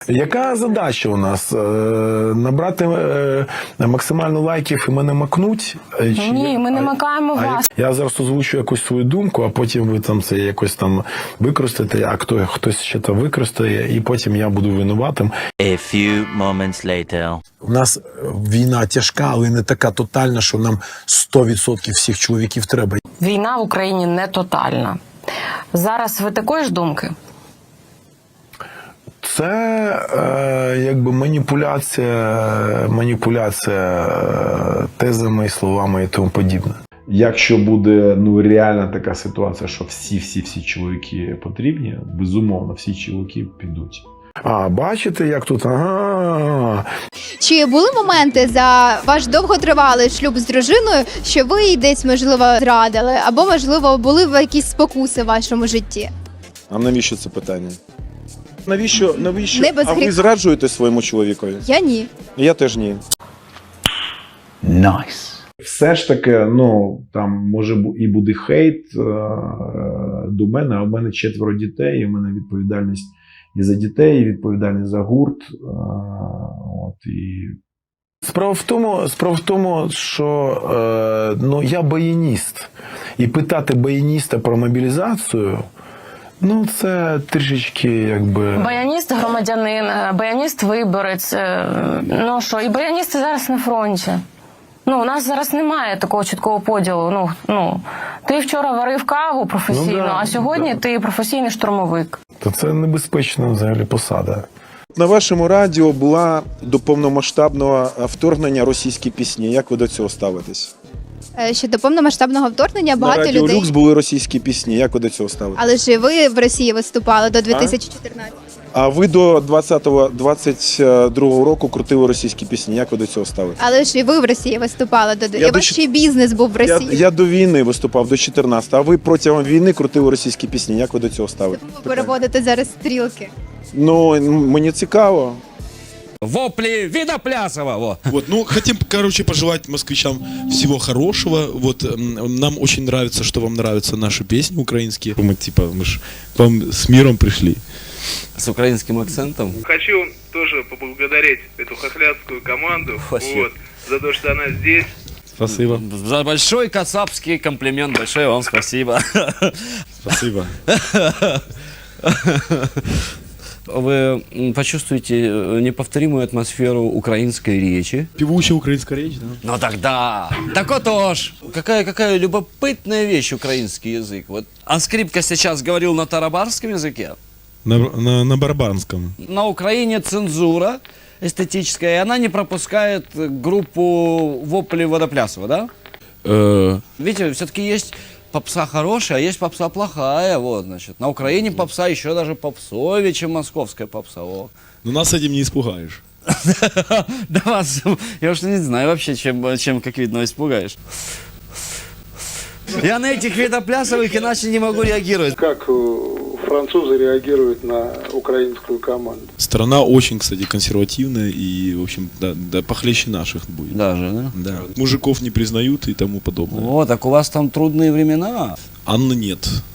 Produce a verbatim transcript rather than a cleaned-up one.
Яка задача у нас? Е, Набрати е, максимально лайків і мене макнуть? Е, чи- Ні, ми не А- макаємо а вас. Я зараз озвучу якусь свою думку, а потім ви там це якось там використаєте, а хто, хтось ще то використає, і потім я буду винуватим. A few moments later. У нас війна тяжка, але не така тотальна, що нам сто відсотків всіх чоловіків треба. Війна в Україні не тотальна. Зараз ви такої ж думки? Це е, якби маніпуляція, маніпуляція е, тезами, словами і тому подібне. Якщо буде ну реальна така ситуація, що всі-всі-всі чоловіки потрібні, безумовно, всі чоловіки підуть. А, бачите, як тут? Ага. Чи були моменти за ваш довготривалий шлюб з дружиною, що ви їй десь, можливо, зрадили, або, можливо, були в якісь спокуси в вашому житті? А навіщо це питання? Навіщо, навіщо? Не без А ви гріха. зраджуєте своєму чоловікові? Я ні. Я теж ні. Nice. Все ж таки, ну, там може бу- і буде хейт е- до мене, а в мене четверо дітей, і в мене відповідальність і за дітей, і відповідальність за гурт. Е- от, і... Справа в тому, справа в тому, що е- ну, я баяніст. І питати баяніста про мобілізацію, ну, це трішечки, якби... Баяніст громадянин, е, баяніст виборець. е, Ну що, і баяністи зараз на фронті. Ну, у нас зараз немає такого чіткого поділу. Ну, ну, ти вчора варив каву професійно, Ну, да, а сьогодні да. ти професійний штурмовик. То це небезпечна взагалі посада. На вашому радіо була до повномасштабного вторгнення російські пісні. Як ви до цього ставитесь? Е, Що до повномасштабного вторгнення На багато радіо людей. Люкс були російські пісні. Як ви до цього ставитесь? Але ж і ви в Росії виступали до дві тисячі чотирнадцятого. А ви до двадцятого двадцять другого року крутили російські пісні. Як ви до цього ставитесь? Але ж і ви в Росії виступали до Я і до ваш чот- ще й бізнес був в Я, Росії. я до війни виступав, до чотирнадцятого, а ви протягом війни крутили російські пісні. Як ви до цього ставитесь? Ви переводите зараз стрілки. Ну, м- мені цікаво. Вопли Видоплясова, во. Вот, ну, хотим, короче, пожелать москвичам всего хорошего. Вот, м, нам очень нравится, что вам нравятся наши песни украинские. Мы, типа, мы ж к вам с миром пришли. С украинским акцентом. Хочу тоже поблагодарить эту хохлядскую команду Спасибо. вот, за то, что она здесь. Спасибо. За большой кацапский комплимент, большое вам спасибо. Спасибо. Вы м, почувствуете э, неповторимую атмосферу украинской речи. Певучая украинская речь, да? Ну тогда, так вот уж. Какая, какая любопытная вещь украинский язык. Вот Анскрипка сейчас говорил на тарабарском языке. На, на, на барбарском. На Украине цензура эстетическая, и она не пропускает э, группу Вопли Водоплясова, да? Э, Видите, все-таки есть попса хорошая, а есть попса плохая, вот, значит. На Украине попса еще даже попсовее, чем московская попса, о. ну, нас этим не испугаешь. Да вас, я уж не знаю вообще, чем, чем как видно, испугаешь. Я на этих видоплясовых иначе не могу реагировать. Как э, французы реагируют на украинскую команду? Страна очень, кстати, консервативная и, в общем, да, да похлеще наших будет. Даже, да? Да. Мужиков не признают и тому подобное. О, так у вас там трудные времена. Анны нет.